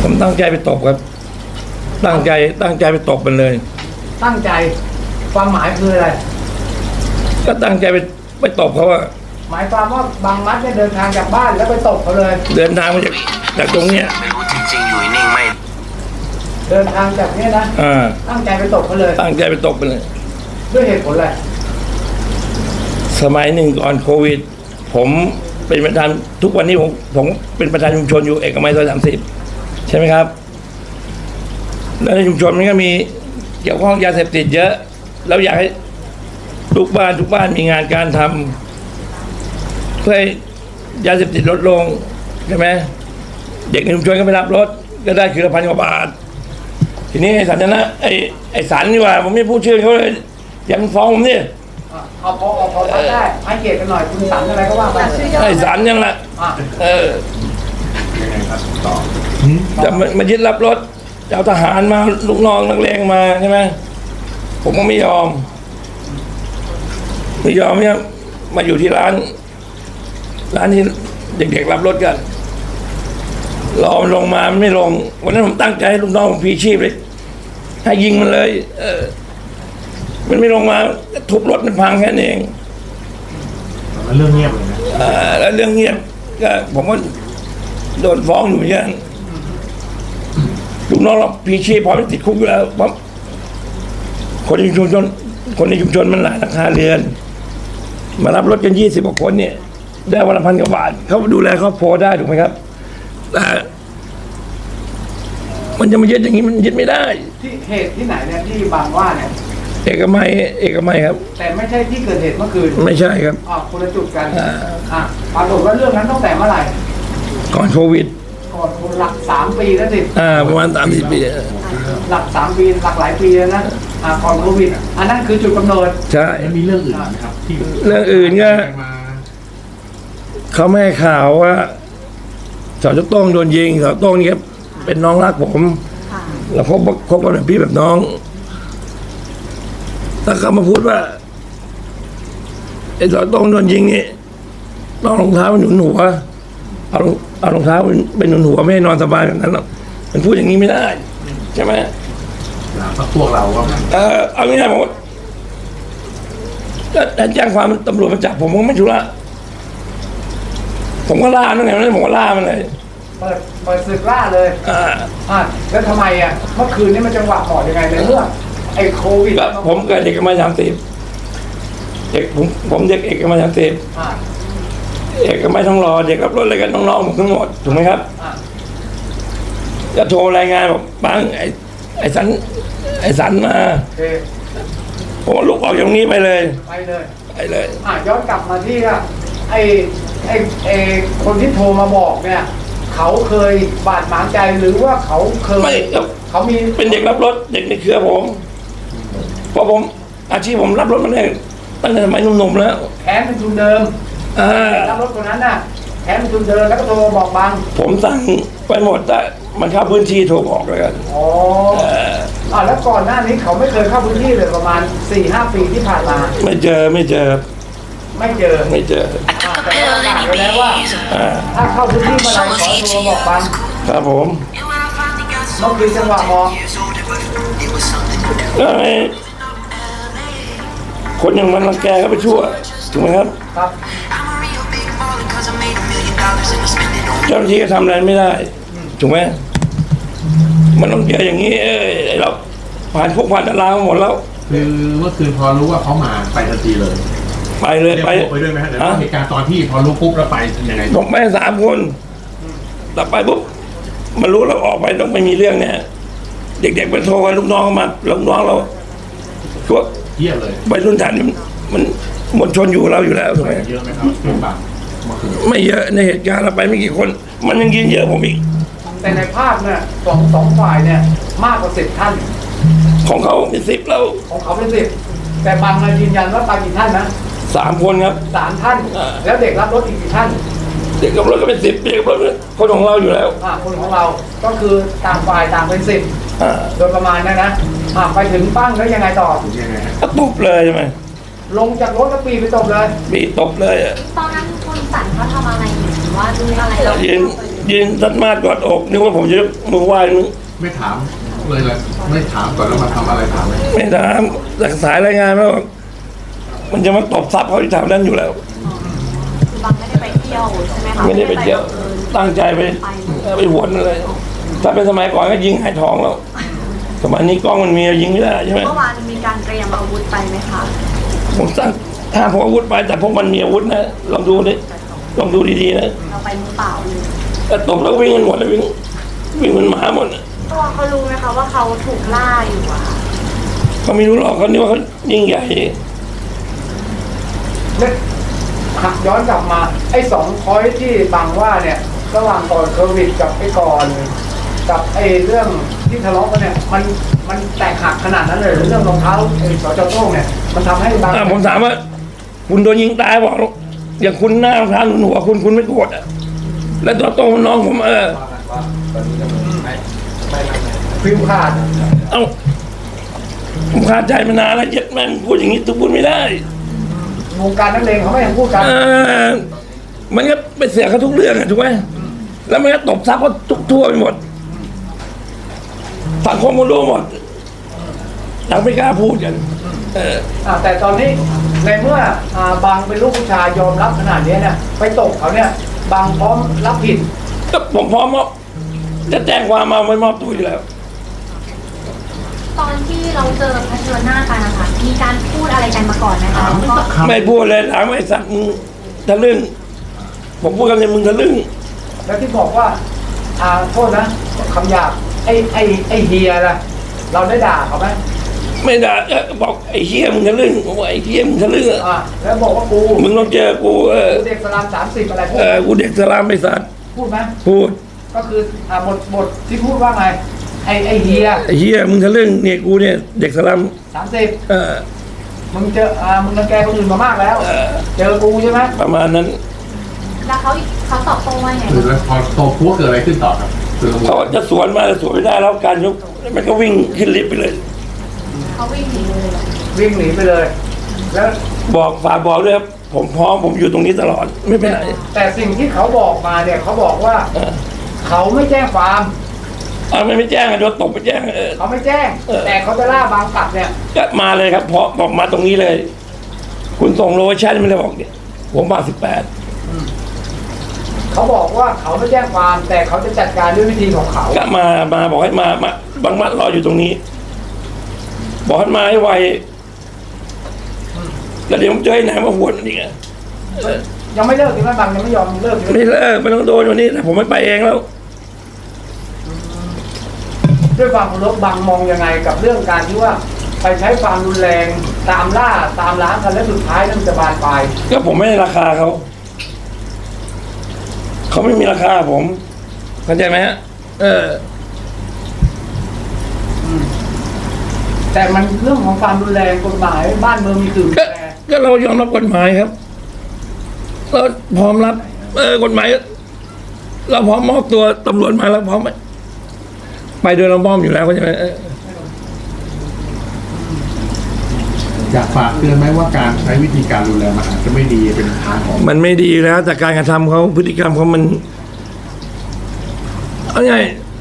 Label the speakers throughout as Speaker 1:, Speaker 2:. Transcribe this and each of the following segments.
Speaker 1: ผมตั้งใจไปตบครับตั้งใจไปตบมันเลย
Speaker 2: ตั้งใจความหมายคืออะไร
Speaker 1: ก็ตั้งใจไปตบเขาว่า
Speaker 2: หมายความว่าบางมัดเนี่ยเดินทางจากบ้านแล้วไปตบเขาเลย
Speaker 1: เดินทางมาจากตรงเนี้ย
Speaker 3: ไม่รู้จริงๆอยู่นิ่งไม่
Speaker 2: เดินทางจากเนี้ยนะตั้งใจไปตบเขาเลย
Speaker 1: ตั้งใจไปตบมันเลย
Speaker 2: ด้วยเหตุผลอะไร
Speaker 1: สมัยหนึ่งก่อนโควิด ผมเป็นประธานทุกวันนี้ผมเป็นประธานชุมชนอยู่เอกมัยซอย30ใช่ไหมครับแล้วในชุมชนมันก็มีเกี่ยวข้องยาเสพติดเยอะแล้วอยากให้ทุกบ้านมีงานการทำเพื่อให้ยาเสพติดลดลงใช่ไหมเด็กในชุมชนก็ไปรับรถก็ได้คือ1,000 กว่าบาททีนี้ไอ้สันนะไอ้สันนี่ว่าผมไม่พูดชื่อเขาเลยยังฟ้องผมนี่
Speaker 2: เอาพอได้ให้เกียรติกันหน่อยคุณสันอะไรก็ว่าไป
Speaker 1: ไอ้สันยังละ
Speaker 4: ยังไงครับต่อ
Speaker 1: จะมายึดรับรถจะเอาทหารมาลูกน้องนักเลงมาใช่ไหมผมก็ไม่ยอมเนี่ยมาอยู่ที่ร้านที่เด็กๆรับรถกันรอมันลงมามันไม่ลงวันนั้นผมตั้งใจให้ลูกน้องผมพีชีพเลยให้ยิงมันเลยมันไม่ลงมาทุบรถมันพังแค่นั้นเอง
Speaker 4: แล้วเรื่องเงียบเลยนะ
Speaker 1: แล้วเรื่องเงียบก็ผมก็โดนฟ้องอยู่เหมือนกันลูกน้องเราพีชีพพอไม่ติดคุกอยู่แล้วเพราะคนในชุมชนมันหลายหลังคาเรือนมารับรถกัน20 กว่าคนเนี่ยได้วันละ1,000 กว่าบาทเขาดูแลครอบครัวได้ถูกไหมครับแต่มันจะมายึดอย่างนี้มันยึดไม่ได้
Speaker 2: ที่เหตุที่ไหนเนี่ยที่บางว่าเนี่ย
Speaker 1: เอกมัยครับ
Speaker 2: แต่ไม่ใช่ที่เกิดเหตุเมื่อคืน
Speaker 1: ไม่ใช่ครับ
Speaker 2: คนละจุดกันปรากฏว่าเรื่องนั้นตั้งแต่เมื่อไหร่
Speaker 1: ก่อนโควิด
Speaker 2: ก่อนหลัก3 ปีแล้วสิ
Speaker 1: ประมาณ30 ปี
Speaker 2: หลัก3 ปีหลักหลายปีแล้วนะก่อนโควิดอันนั้นคือจุดกำเนิด
Speaker 1: ใช่
Speaker 4: แล้วมีเรื่องอื่นไหมครับที่
Speaker 1: เรื่องอื่นก็
Speaker 4: มา
Speaker 1: เขาไม่ให้ข่าวว่าสจโต้งโดนยิงสจโต้งนี่ครับเป็นน้องรักผมแล้วคบกันแบบพี่แบบน้องถ้าเขามาพูดว่าไอ้สจโต้งโดนยิงนี่ต้องรองเท้าหนุนหัวเอารองเท้าไปหนุนหัวไม่ให้นอนสบายแบบนั้นหรอกมันพูดอย่างนี้ไม่ได้ใช่ไหม
Speaker 4: พวกเราว่า
Speaker 1: เอาง่ายๆผมก็แจ้งความตำรวจมาจับผมไม่ชุระผมก็ล่านั่นไงผมก็ล่ามันเลย
Speaker 2: เปิดศึกล่าเลยแล้วทำไมเมื่อคืนนี้มันจังหวะเหมาะยังไงในเมื่อไอ้โควิด
Speaker 1: ก็ผมเกิดเด็กมา30เด็กผมเด็กเอกมา30เอกไม่ต้องรอเด็กรับรถอะไรกันน้องๆผมทั้งหมดถูกไหมครับจะโทรรายงานบอกปังไอ้สันมาผมลุกออกจากตรงนี้ไปเลย
Speaker 2: ย้อนกลับมาที่ไอ้คนที่โทรมาบอกเนี่ยเขาเคยบาดหมางใจหรือว่าเขาเคย
Speaker 1: ไม่
Speaker 2: เขามี
Speaker 1: เป็นเด็กรับรถเด็กในเครือผมเพราะผมอาชีพผมรับรถมาได้ตั้งแต่สมัยหนุ่มๆแล้ว
Speaker 2: แขนเป็นทุนเดิมรับรถคนนั้นน่ะแขนเป็นทุนเดิมแล้วก็โทรบอกบัง
Speaker 1: ผมสั่งไปหมดแต่มันเข้าพื้นที่โทรบอกเลยกัน
Speaker 2: แล้วก่อนหน้านี้เขาไม่เคยเข้าพื้นที่เลยประมาณ 4-5 ปีที่ผ่านมา
Speaker 1: ไม่เจอ
Speaker 2: ไม่เจอ แต่ก็ประกาศไว้แล้วว่าถ้าเข้าพื้นที่เมื่อไหร่ขอโทรบอกบัง
Speaker 1: ครับผม
Speaker 2: เมื่อคืนจังหวะมอง
Speaker 1: แล้วไอ้คนอย่างมันรังแกก็ไปชั่วถูกไหมครับ
Speaker 2: ครับ
Speaker 1: เจ้าหน้าที่ก็ทำอะไรไม่ได้ถูกไหมมันต้องเจออย่างนี้ไอ้เราผ่านพวกผ่านตารางหมดแล้ว
Speaker 4: คือเมื่อคืนพอรู้ว่าเขามาไปทันทีเลย
Speaker 1: ไปเลย
Speaker 4: ไปด้วยไหมฮะเดี๋ยวเหตุการณ์ตอนที่พอรู้ปุ๊บแล้วไปยังไง
Speaker 1: ต้องไป3 คนแต่ไปปุ๊บมันรู้เราออกไปต้องไม่มีเรื่องเนี่ยเด็กๆไปโทรกันลูกน้องมาลูกน้องเราพวก
Speaker 4: เยี่ยมเลย
Speaker 1: ไปรุ่นฐานมันมวลชนอยู่เราอยู่แล้วถูกไหม
Speaker 4: เยอะไหมครับเป็นบางเมื่อคืน
Speaker 1: ไม่เยอะในเหตุการณ์เราไปไม่กี่คน มันยังยิงเยอะผมอีก
Speaker 2: แต่ในภาพเนี่ยสองฝ่ายเนี่ยมากกว่า10 ท่าน
Speaker 1: ของเขาเป็น10แล้ว
Speaker 2: ของเขาเป็น10แต่บางยืนยันว่าไปกี่ท่านนะ
Speaker 1: 3 คนครับ
Speaker 2: 3 ท่าน แล้วเด็กรับรถอีกกี่ท่าน
Speaker 1: เด็กกับรถก็เป็น10เด็กกับรถคนของเราอยู่แล้ว
Speaker 2: คนของเราก็คือต่างฝ่ายต่างเป็น10โดยประมาณนะไปถึงปั้งแล้วยังไงต่อ
Speaker 4: ยังไงฮะ
Speaker 1: ก็ตบเลยใช่ไหม
Speaker 2: ลงจากรถแล้วปีไปตบเลย
Speaker 1: มีตบเลย
Speaker 5: ตอนนั้นคุณสันเขาทำอะไรอยู่หรือว่าดูอะไรเรา
Speaker 1: ยืนยืนตัดมาดกอดอกนึกว่าผมจะยกมือไหว้มึง
Speaker 4: ไม่ถามเลยเลยไม่ถามก่อนแล้วมาทำอะไรถามไหม
Speaker 1: ไม่ถามจากสายรายงานแล้วามันจะมาตบทรัพย์เขาที่ทำนั้นอยู่แล้ว
Speaker 3: คือบางไม่ได้ไปเที่ยวใช่ไหมคะ
Speaker 1: ไม่ได้ไปเที่ยวตั้งใจไปหวนอะไรถ้าเป็นสมัยก่อนก็ยิงหายทองแล้วสมัยนี้กล้องมันมียิงไม่ได้ใช่ไหม
Speaker 3: เมื่อวานมีการเตรียมอาวุธไปไหมคะ
Speaker 1: ผมสั่งถ้าพกอาวุธไปแต่พวกมันมีอาวุธนะลองดูดิลองดูดีๆนะ
Speaker 3: เราไปมือเปล่าเลย
Speaker 1: แต่ตบแล้วก็วิ่งกันหมดเลยวิ่งเหมันหมาหมดน่ะ
Speaker 3: ตัวเขารู้ไหมคะว่าเขาถูกล่าอยู่อะค่ะ
Speaker 1: เขาไม่รู้หรอกเขานี่ว่าเขายิ่งใหญ่
Speaker 2: และหักย้อนกลับมาไอ้2 พอยท์ที่บางว่าเนี่ยระหว่างก่อนโควิดกับไอ้ก่อนกับไอ้เรื่องที่ทะเลาะกันเนี่ยมันแตกหักขนาดนั้นเลยหรือเรื่องรองเท้าไอ้สจโต้งเนี่ยมันทำให้บาง
Speaker 1: ผมถามว่า คุณโดนยิงตายบอกอย่างคุณหน้ารองเท้าหนุนหัวคุณไม่โกรธอ่ะแล้วตัวโตน้องผม
Speaker 2: ฟิวขาด
Speaker 1: เอ้าผมคาใจมานานแล้วเจ็ดแม่งพูดอย่างนี้ทุกพูดไม่ได้
Speaker 2: วงการนักเลงเขาไม่ยังพูดกัน
Speaker 1: มันก็ไปเสียเขาทุกเรื่องอะถูกไหมแล้วมันก็ตบซับเขาทุกทั่วไปหมดสังคมมันรู้หมดยังไม่กล้าพูดกัน
Speaker 2: แต่ตอนนี้ในเมื่อบางเป็นลูกผู้ชายยอมรับขนาดนี้เนี่ยไปตกเขาเนี่ยบางพร้อมรับผิด
Speaker 1: ก็ผมพร้อมจะแจ้งความมาไม่มอบตัวอยู่แล้ว
Speaker 3: ตอนที่เราเจอเผชิญหน้ากันนะคะมีการพูดอะไรกันมาก่อนไหมคะ
Speaker 4: ถามไม่สักคำ
Speaker 1: ไม่พูดเลยถามไอ้สัตว์มึงทะลึ่งผมพูดคำนี้มึงทะลึ่ง
Speaker 2: แล้วที่บอกว่าโทษนะคำหยาบไอ้เฮียล่ะเราได้ด่าเขาไหม
Speaker 1: ไม่ได้บอกไอ้เหี้ยมึงทะลึ่งผมว่าไอ้เหี้ยมึงทะลึ่งอะ
Speaker 2: แล้วบอกว่ากู
Speaker 1: มึงต้องเจอกู
Speaker 2: กูเด็กสลาม30อะไรพูด
Speaker 1: กูเด็กสลามไอ้สัตว์
Speaker 2: พูดไหม
Speaker 1: พูด
Speaker 2: ก็คือบทที่พูดว่าไงไอ้เฮีย
Speaker 1: ไอ้เหี้ยมึงทะลึ่งเนี่ยกูเนี่ยเด็กสลาม
Speaker 2: 30มึงเจอมึงรังแกคนอื่นมามากแล้ว เจอกูใช่ไหม
Speaker 1: ประมาณนั้น
Speaker 3: แล้วเขาตอบโต้ว่าไง
Speaker 4: คือแล้วพอโตพัวเกิดอะไรขึ้นต่อครับคือ
Speaker 1: เขาจะสวนมาแต่สวนไม่ได้แล้วการยกมันก็วิ่งขึ้นลิฟต์ไปเลย
Speaker 3: เขาวิ่งหนีเลยเหรอ
Speaker 2: วิ่งหนีไปเลย แล้ว
Speaker 1: บอกฝากบอกด้วยครับผมพร้อมผมอยู่ตรงนี้ตลอดไม่ไปไหน
Speaker 2: แต่สิ่งที่เขาบอกมาเนี่ยเขาบอกว่า เขาไม่แจ้งความ
Speaker 1: ไม่แจ้งโดนตบไปแจ้ง
Speaker 2: เขาไม่แจ้ง แต่เขาจะล่าบางกลับเนี่ย
Speaker 1: ก็มาเลยครับเพราะบอกมาตรงนี้เลย คุณส่งโลเคชั่นไม่ได้บอกเนี่ยผมมา18
Speaker 2: เขาบอกว่าเขาไม่แจ้งความ แต่เขาจะจัดการด้วยวิธีของเขา
Speaker 1: ก็มาบอกให้มาบางมัดรออยู่ตรงนี้ บอกให้มาให้ไวแล้วเดี๋ยวผมจะให้ไหนมาหวนอีกอะ
Speaker 2: ยังไม่เลิกใช่ไหมบางยังไม่ยอมเลิกใช่ไหม
Speaker 1: ไม่เลิกไม่ต้องโดนวันนี้แต่ผมไม่ไปเองแล้ว
Speaker 2: ด้วยความเคารพบางมองยังไงกับเรื่องการที่ว่าไปใช้ความรุนแรงตามล่าตามล้างกันและสุดท้ายนั่นจะบานปลาย
Speaker 1: ก็ผมไม่ให้ราคาเขาไม่มีราคาผมเข้าใจไหมฮะ
Speaker 2: แต่มันเรื่องของความรุนแรงกฎหมายบ้านเมืองมีสื่อ
Speaker 1: ก็
Speaker 2: แต่
Speaker 1: ก็เรายอมรับกฎหมายครับเราพร้อมรับกฎหมายเราพร้อมมอบตัวตำรวจมาแล้วพร้อมไปโดยเราพร้อมอยู่แล้วเข้าใจไหม
Speaker 4: อยากฝากเตือนไหมว่าการใช้วิธีการรุนแรงมันอาจจะไม่ดีเป็นทางออก
Speaker 1: มันไม่ดีแล้วแต่การกระทำเขาพฤติกรรมเขามันเอาไง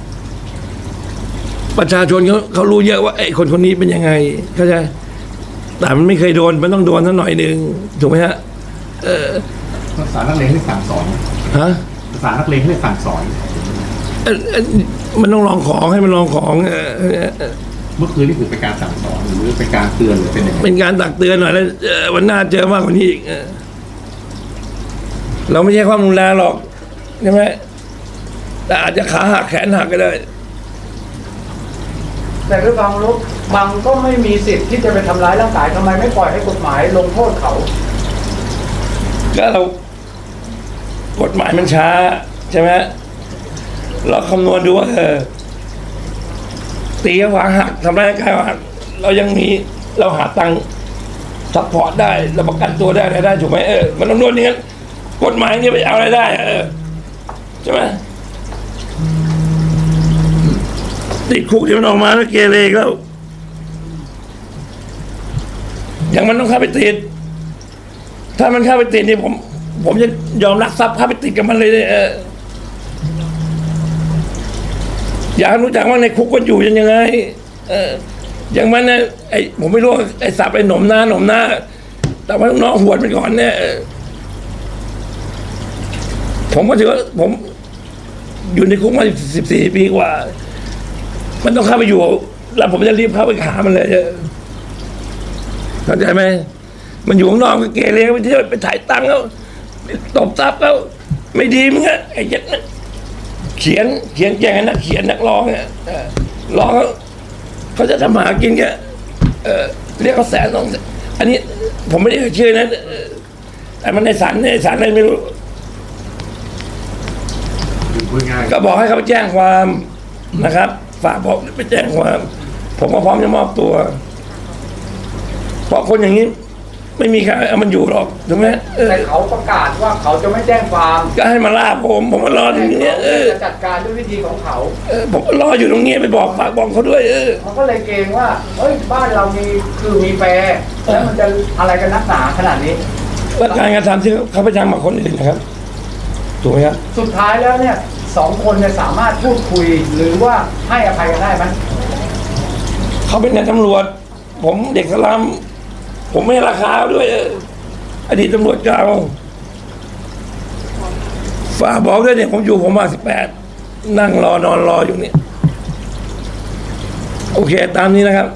Speaker 1: ประชาชนเขารู้เยอะว่าไอ้คนนี้เป็นยังไงเข้าใจแต่มันไม่เคยโดนมันต้องโดนสักหน่อยหนึ่งถูกไหมฮะ
Speaker 4: ภาษานักเลงให้สั่งสอน
Speaker 1: ฮะ
Speaker 4: ภาษานักเลงให้สั่งสอน
Speaker 1: มันต้องลองของให้มันลองของ
Speaker 4: เมื่อคืนนี่คือเป็นการสั่งสอนหรือเป็นการเตือนหรือเป็นยังไง
Speaker 1: เป็นการตักเตือนหน่อยแล้ววันหน้าเจอมากกว่านี้อีกเราไม่ใช่ความรุนแรงหรอกใช่ไหมแต่อาจจะขาหักแขนหักก็ได้
Speaker 2: แต่ด้วยความเคารพบางก็ไม่มีสิทธิ์ที่จะไปทำร้ายร่างกายทำไมไม่ปล่อยให้กฎหมายลงโทษเขา
Speaker 1: ก็เรากฎหมายมันช้าใช่ไหมเราคำนวณดูว่าตีขวาหักทำร้ายร่างกายหักเรายังมีเราหาตังค์ซัพพอร์ตได้เราประกันตัวได้อะไรได้ถูกไหมมันต้องโดนอย่างนั้นกฎหมายนี่ไปเอาอะไรได้ใช่ไหมติดคุกเดี๋ยวมันออกมาแล้วเกเรก็อย่างมันต้องเข้าไปติดถ้ามันเข้าไปติดนี่ผมจะยอมรักทรัพย์เข้าไปติดกับมันเลยเนี่ยอยากรู้จักว่าในคุกมันอยู่ยังไง อย่างมันนะผมไม่รู้ว่าไอ้สับไอ้หนมหน้า แต่ว่าน้องหวดไปก่อนเนี่ยผมก็ถือว่าผมอยู่ในคุกมา14 ปีกว่า มันต้องเข้าไปอยู่ แล้วผมจะรีบเข้าไปหามันเลยเข้าใจไหมมันอยู่ข้างนอกก็เกเรไปเที่ยวไปถ่ายตังค์แล้วตบทรัพย์แล้วไม่ดีมึงอะไอ้ยัดนะเขียนแก่นักเขียนนักร้องเนี่ยร้องเขาจะทำหากินแกเรียกเขา100,000-200,000อันนี้ผมไม่ได้เชื่อนะแต่มันในศาลอะไรไม่รู้
Speaker 4: คือพูดง่าย
Speaker 1: ก็บอกให้เขาไปแจ้งความนะครับ ฝากบอกไปแจ้งความ ผมก็พร้อมจะมอบตัว เพราะคนอย่างนี้ ไม่มีใครเอามันอยู่หรอกถูกไหม
Speaker 2: แต่เขาประกาศว่าเขาจะไม่แจ้งความ
Speaker 1: ก็ให้มาล่าผมมารอตรงนี้
Speaker 2: จะจัดการด้วยวิธีของเขา
Speaker 1: ผมก็รออยู่ตรงนี้ไปบอกฝากบอกเขาด้วย
Speaker 2: มันก็เลยเกรงว่าเฮ้ยบ้านเรามีแฟร์แล้วมันจะอะไรกันนักหนาขนาดนี้
Speaker 1: แล้วการกระทำที่เขาไปทำกับคนอื่นนะครับถูกไหมครับ
Speaker 2: สุดท้ายแล้วเนี่ย2 คนเนี่ยสามารถพูดคุยหรือว่าให้อภัยกันได้ไหม
Speaker 1: เขาเป็นนายตำรวจ ผมเด็กสลัมผมไม่ให้ราคาด้วยอดีตตำรวจเก่าฝากบอกด้วยเนี่ยผมอยู่ผมมา18นั่งรอนอนรออยู่เนี่ยโอเคตามนี้นะครับ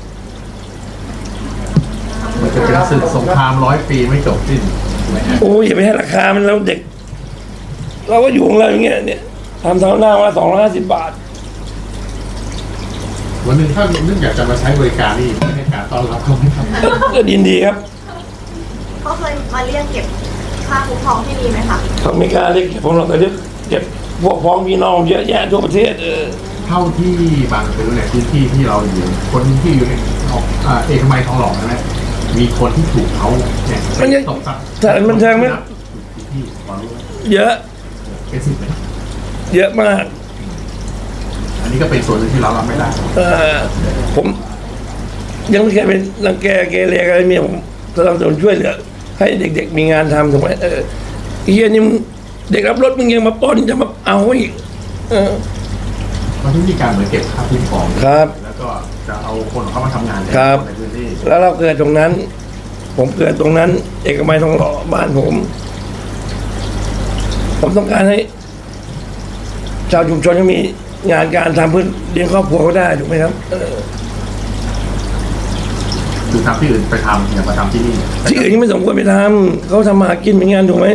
Speaker 4: มันจะเป็นศึกสงคราม100 ปีไม่จบสิ้นถูกไหมฮะ
Speaker 1: โอ้ยอย่าไปให้ราคามันแล้วเด็ก เราก็อยู่ของเราอย่างเงี้ยเนี่ยทำเท่าหน้าว่า250 บาท
Speaker 4: วันหนึ่งถ้านึกอยากจะมาใช้บริการนี่ไม่ให้การต้อนรับเขาไม่ทำ
Speaker 1: ก็ยินดีครับ
Speaker 5: เขาเคยมาเรียกเก็บค่าคุ้มครองที่นี่ไหมคะ
Speaker 1: เขาไม่กล้าเรียกเก็บผมเราแต่เรียกเก็บพวกพ้องพี่น้องเยอะแยะทั่วประเทศ
Speaker 4: เท่าที่บางซื้อในพื้นที่ที่เราอยู่คนที่อยู่ในเอกมัยทองหล่อนะ มีคนที่ถูกเขาเนี่ย
Speaker 1: มันยัง
Speaker 4: ตบทรัพย์
Speaker 1: สถานบันเทิงไหม
Speaker 4: ที่พอรู้
Speaker 1: เยอะ
Speaker 4: เป็นสิบเลย
Speaker 1: เยอะมาก
Speaker 4: อันนี้ก็เป็นส่วนหนึ่งที่เรารับไม่ได้
Speaker 1: ผมยังไม่เคยเป็นรังแกเกเรอะไรเมียผมสนับสนุนช่วยเหลือให้เด็กๆมีงานทำถูกไหมไอ้เฮียนี่มึงเด็กรับรถมึงยังมาปล้นจะมาเอาอีก
Speaker 4: มันที่มีการเหมือนเก็บค่าคุ้มครอง
Speaker 1: ครับ
Speaker 4: แล้วก็จะเอาคนของเขามาทำงานใน
Speaker 1: ครับ
Speaker 4: พื้นที่
Speaker 1: แล้วเราเกิดตรงนั้น ผมเกิดตรงนั้น เอกมัยทองหล่อบ้านผมต้องการให้ ชาวชุมชนเขามีงานการทำเพื่อเลี้ยงครอบครัวเขาได้ถูกไหมครับ
Speaker 4: คือทำที่อื่นไปทำอย่ามาทำที่นี่
Speaker 1: ที่อื่นยังไม่สมควรไปทำเขาทำมาหากินเป็นงานถูกไหม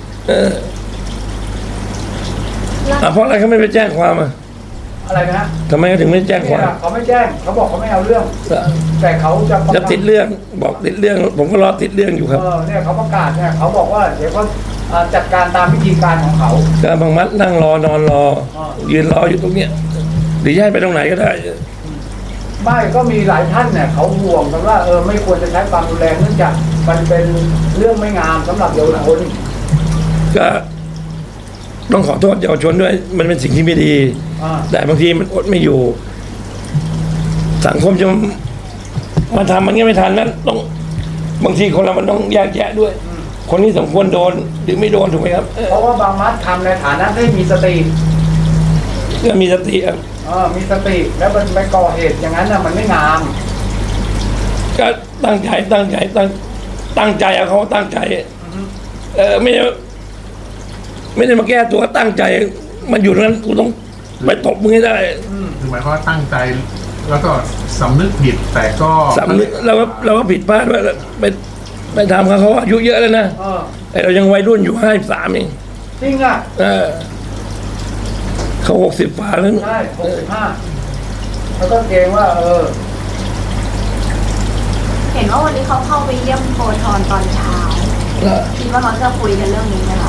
Speaker 1: เพราะอะไรเขาไม่ไปแจ้งความอ่ะ
Speaker 2: อะไรนะ
Speaker 1: ทำไมเขาถึงไม่แจ้งความ
Speaker 2: เขาไม่แจ้งเขาบอกเขาไม่เอาเรื่อง แต่เขาจะประ
Speaker 1: จะ
Speaker 2: กาศ
Speaker 1: ติดเรื่องบอกติดเรื่อง ผมก็รอติดเรื่องอยู่ครับ
Speaker 2: เนี่ยเขาประกาศเนี่ยเขาบอกว่าเดี๋ยวเขาจัดการตามวิธีการของเขา
Speaker 1: การบางมัดนั่งรอนอนรอ ยืนรออยู่ตรงเนี้ยหรือย้ายไปตรงไหนก็ได้
Speaker 2: ไม่ก็มีหลายท่านเนี่ยเขาห่วงกันว่าไม่ควรจะใช้ความรุนแรงเนื่องจากมันเป็นเรื่องไม่งามสำหรับเยาวชน
Speaker 1: ก็ต้องขอโทษเยาวชนด้วย มันเป็นสิ่งที่ไม่ดี แต่บางทีมันอดไม่อยู่ สังคมจะมาทำมันก็ไม่ทันนะต้องบางทีคนเรามันต้องแยกแยะด้วย คนนี้สมควรโดนหรือไม่โดนถูกไหมครับ
Speaker 2: เพราะว่าบางมัดทำในฐานะที่มีสติ
Speaker 1: ก็มีสติครับ
Speaker 2: มีสติแล้วมันไปก่อเหตุอย่างนั้นน่ะมันไม่งาม
Speaker 1: ก็ตั้งใจเอาเขาตั้งใจ ไม่ได้มาแก้ตัวตั้งใจ มันอยู่ตรงนั้นกูต้องไปตบมึงให้ได้
Speaker 4: คือหมายความว่าตั้งใจแล้วก็สำนึกผิดแต่ก็
Speaker 1: สำนึกเราก็ผิดพลาดว่าไปทำเขาอายุเยอะแล้วนะแต่เรายังวัยรุ่นอยู่53เอง
Speaker 2: จริงอ่ะ
Speaker 1: เขา60ฝ่าแล้ว
Speaker 2: ใช่65แล้วก็เกรงว่า
Speaker 5: เห็นว่าวันนี้เขาเข้าไปเยี่ยมโพธรตอนเช้าคิดว่าเขาจะคุยกันเรื่องนี้ไหมคะ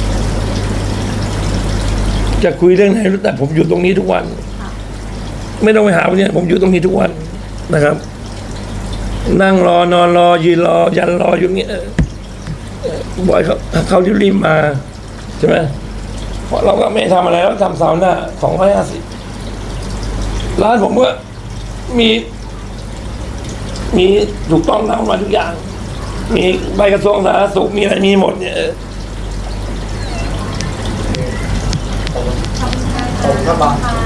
Speaker 1: จะคุยเรื่องไหนแต่ผมอยู่ตรงนี้ทุกวัน ไม่ต้องไปหาเนี่ยผมอยู่ตรงนี้ทุกวันนะครับ นั่งรอนอนรอยืนรอยันรออยู่เงี้ยบ่อยเขารีบมาใช่ไหมเพราะเราก็ไม่ทำอะไรแล้วทำเสาหน้า250ร้านผมก็มีถูกต้องตามมาทุกอย่าง มีใบกระทรวงสาธารณสุขมีอะไรมีหมดเนี่ย
Speaker 2: ขอบคุณครับ